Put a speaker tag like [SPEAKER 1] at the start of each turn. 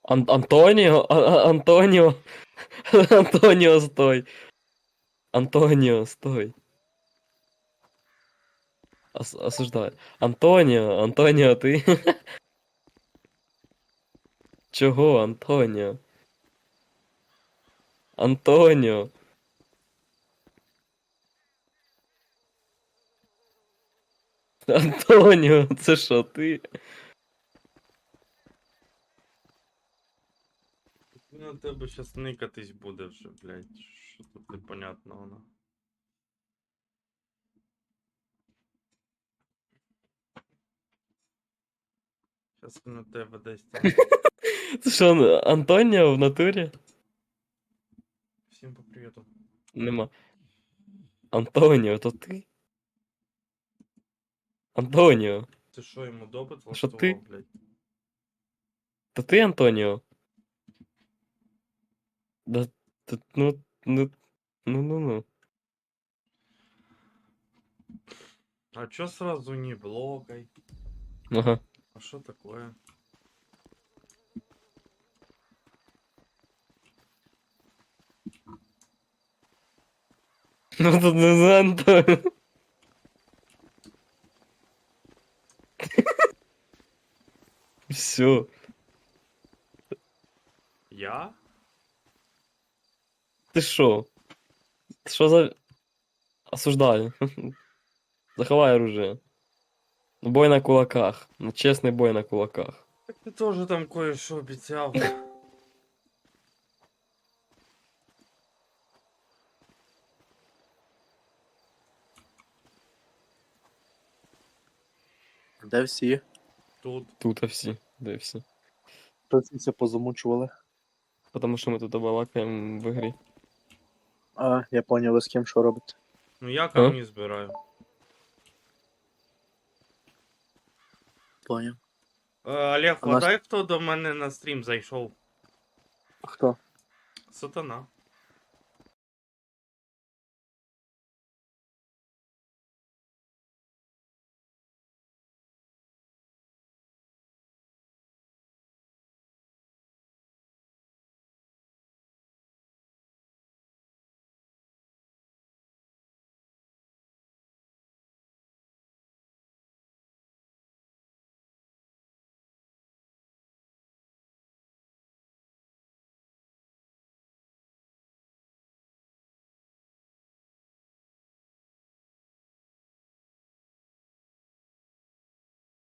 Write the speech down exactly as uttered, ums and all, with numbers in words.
[SPEAKER 1] Ан Антоніо? А а Антоніо? Антоніо, стой. Антоніо, стой. Ос осуждаю. Антоніо, Антоніо, ти? Чого, Антоніо? Антоніо. Антоніо, це що, ти?
[SPEAKER 2] На тебе щас никатись буде вже, блядь. Що тут непонятного, на. Щас на тебе десь там.
[SPEAKER 1] Це що, Антоніо в натурі?
[SPEAKER 2] Всім по привіту.
[SPEAKER 1] Нема. Антоніо, то ти? Антоніо.
[SPEAKER 2] Ти що, йому допит
[SPEAKER 1] Що ти?
[SPEAKER 2] влаштував, блядь?
[SPEAKER 1] То ти, Антоніо? Да, т ну ну ну-ну-ну.
[SPEAKER 2] А чо сразу не блокай?
[SPEAKER 1] Ага.
[SPEAKER 2] А що такое?
[SPEAKER 1] Ну тут не за Антоніо. Всё.
[SPEAKER 2] Я?
[SPEAKER 1] Ти що? Що за... Осуждаю. Заховай оружие. Бой на кулаках. Ну, чесний бой на кулаках.
[SPEAKER 2] Так ти теж там кое-що обіцяв.
[SPEAKER 3] Де всі?
[SPEAKER 2] Тут.
[SPEAKER 1] Тут всі. Де всі?
[SPEAKER 3] Це позамучували.
[SPEAKER 1] Потому що ми тут балакаємо в ігрі.
[SPEAKER 3] А, я поняв, ви з ким що робите.
[SPEAKER 2] Ну я камні збираю.
[SPEAKER 3] Поняв.
[SPEAKER 2] Е, Олег,
[SPEAKER 3] А нас-
[SPEAKER 2] вгадай, хто до мене на стрім зайшов?
[SPEAKER 3] Хто?
[SPEAKER 2] Сатана.